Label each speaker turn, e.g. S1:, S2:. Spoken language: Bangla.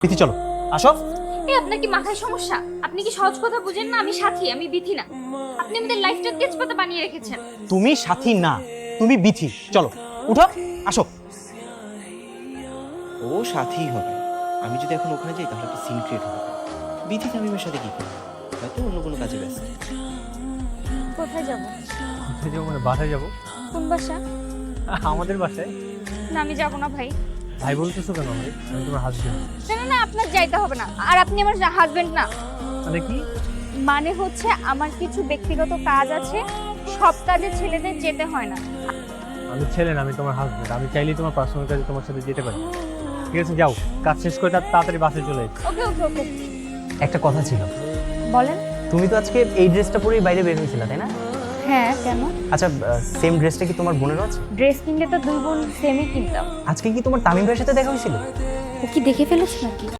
S1: বিথি চলো আসো।
S2: এই আপনার কি মাথায় সমস্যা? আপনি কি সহজ কথা বুঝেন না? আমি সাথী, আমি বিথি না। আপনি আমাদের লাইফটা তেজপাতা বানিয়ে রেখেছেন।
S1: তুমি সাথী না, তুমি বিথি। চলো উঠো, আসো।
S3: ও সাথেই হবে। আমি যদি এখন ওখানে যাই তাহলে একটা সিন ক্রিয়েট হবে। বিথি তামিমের সাথে কি করবে? হয়তো অন্য কোনো কাজে ব্যস্ত।
S2: কোথায় যাব?
S4: কোথায় যাবো মানে বাসায় যাবো?
S2: কোন বাসা?
S4: আমাদের বাসায়।
S2: না আমি যাব না ভাই।
S4: ভাই বলতেছো কেন ভাই? আমি তোমার হাজবেন্ড।
S2: না না না, আপনার যাইতে হবে না। আর আপনি আমার হাজবেন্ড না।
S4: মানে কি?
S2: মানে হচ্ছে আমার কিছু ব্যক্তিগত কাজ আছে, সব কাজে ছেলেদের যেতে হয় না।
S4: আমি ছেলে না, আমি তোমার হাজবেন্ড। আমি চাইলেই তোমার পার্সোনাল কাজে তোমার সাথে যেতে পারি। ঠিক আছে যাও, কাজ শেষ করে তাড়াতাড়ি বাসে চলে এসো।
S2: ওকে ওকে ওকে।
S5: একটা কথা ছিল,
S2: বলেন।
S5: তুমি তো আজকে এই ড্রেসটা পরেই বাইরে বের হয়েছিলা তাই না?
S2: হ্যাঁ কেন?
S5: আচ্ছা, সেম ড্রেসটা কি তোমার বোনেরও আছে?
S2: ড্রেস কিনলে তো দুই বোন সেমই কিনতাম।
S5: আজকে কি তোমার তামিম ভাইয়ের সাথে দেখা হয়েছিল?
S2: ও কি দেখে ফেলেছে নাকি?